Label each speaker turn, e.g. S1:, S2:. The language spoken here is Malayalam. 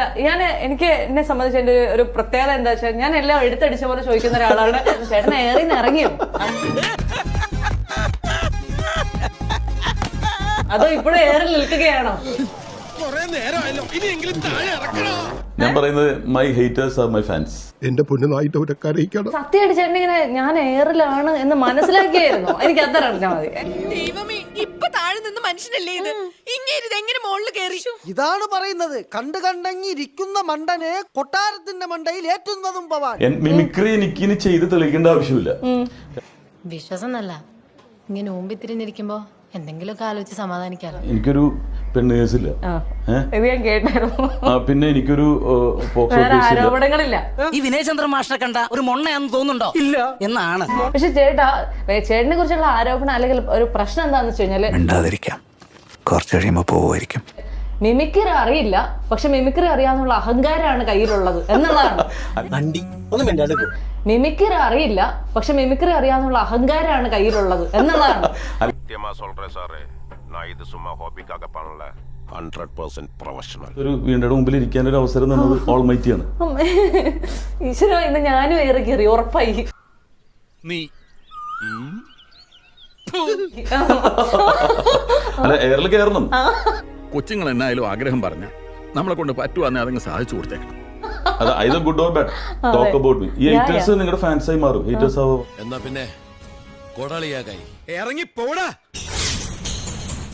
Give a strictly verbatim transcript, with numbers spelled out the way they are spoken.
S1: ചേട്ടാ ഞാൻ എനിക്ക് എന്നെ സംബന്ധിച്ച് എന്റെ ഒരു പ്രത്യേകത എന്താ വെച്ചാൽ ഞാൻ എല്ലാം എടുത്തടിച്ച പോലെ ചോദിക്കുന്ന ഒരാളാണ്. ചേട്ടൻ ഏറിന്ന് ഇറങ്ങിയോ അതോ ഇപ്പോഴും ഏറിൽ നിൽക്കുകയാണോ?
S2: ഞാൻ പറയുന്നത് my haters are my fans.
S3: എന്റെ പൊന്നുനായിട്ട് കരയിക്കണം.
S1: സത്യമായിട്ട് ചേട്ടൻ ഇങ്ങനെ ഞാൻ ഏറിലാണ് എന്ന് മനസ്സിലാക്കിയായിരുന്നു. എനിക്ക് അത്ര അറിഞ്ഞാൽ മതി.
S4: ഇപ്പൊ താഴെ നിന്ന് മനുഷ്യനല്ലേ ഇത്, ഇങ്ങനെ എങ്ങനെ മുകളിൽ കയറി?
S5: ഇതാണ് പറയുന്നത്, കണ്ടു കണ്ടങ്ങി ഇരിക്കുന്ന മണ്ടനെ കൊട്ടാരത്തിന്റെ മണ്ടയിൽ ഏറ്റുന്നതും പവാൻ.
S2: മിമിക്രി എനിക്ക് ഇനി ചെയ്ത് തെളിയിക്കേണ്ട ആവശ്യമില്ല.
S6: വിശ്വാസം നല്ല ഇങ്ങനെ ഊമ്പി തിരിഞ്ഞിരിക്കുമ്പോ എന്തെങ്കിലുമൊക്കെ ആലോചിച്ച് സമാധാനിക്കാലോ.
S2: എനിക്കൊരു പെണ്ണ് കേസില്ല, പിന്നെ എനിക്കൊരു
S1: ആരോപണങ്ങളില്ല.
S4: ഈ വിനയചന്ദ്രൻ മാഷിനെ കണ്ട ഒരു മൊണ്ണയാന്ന് തോന്നുന്നുണ്ടോ? ഇല്ല എന്നാണ്.
S1: പക്ഷെ ചേട്ടാ ചേട്ടനെ കുറിച്ചുള്ള ആരോപണം അല്ലെങ്കിൽ ഒരു പ്രശ്നം എന്താന്ന് വെച്ച് കഴിഞ്ഞാല്
S7: മിണ്ടാതിരിക്കാം, കുറച്ച് കഴിയുമ്പോ പോവായിരിക്കും.
S1: മിമിക്രി അറിയില്ല, പക്ഷെ മിമിക്രി അറിയാന്നുള്ള അഹങ്കാരമാണ് കയ്യിലുള്ളത് എന്നുള്ളതാണ്. മിമിക്രി അറിയില്ല, പക്ഷെ മിമിക്രി അറിയാന്നുള്ള അഹങ്കാരമാണ് കയ്യിലുള്ളത് എന്നുള്ളതാണ്.
S2: ഒരു വീണ്ടും മുമ്പിൽ ഇരിക്കാൻ ഒരു അവസരം തന്നത് ഓൾമൈറ്റിയാണ്.
S1: ഈശ്വര, ഇന്ന് ഞാനും ഏറെ കയറി ഉറപ്പായി.
S2: അല്ല, എയറിൽ കയറണം.
S8: കൊച്ചുങ്ങൾ എന്നായാലും ആഗ്രഹം പറഞ്ഞ നമ്മളെ കൊണ്ട് പറ്റുവാന്നെ അതങ്ങ് സാധിച്ചു കൊടുത്തേക്കണം.
S2: അത് either good or bad, talk about me. ഈ ഹേറ്റേഴ്സ് നിങ്ങളുടെ ഫാൻസായി മാറും. ഹേറ്റേഴ്സ് ആവും.
S9: എന്നാ പിന്നെ കൊടാളിയാകായി
S8: ഇറങ്ങി പോടാ.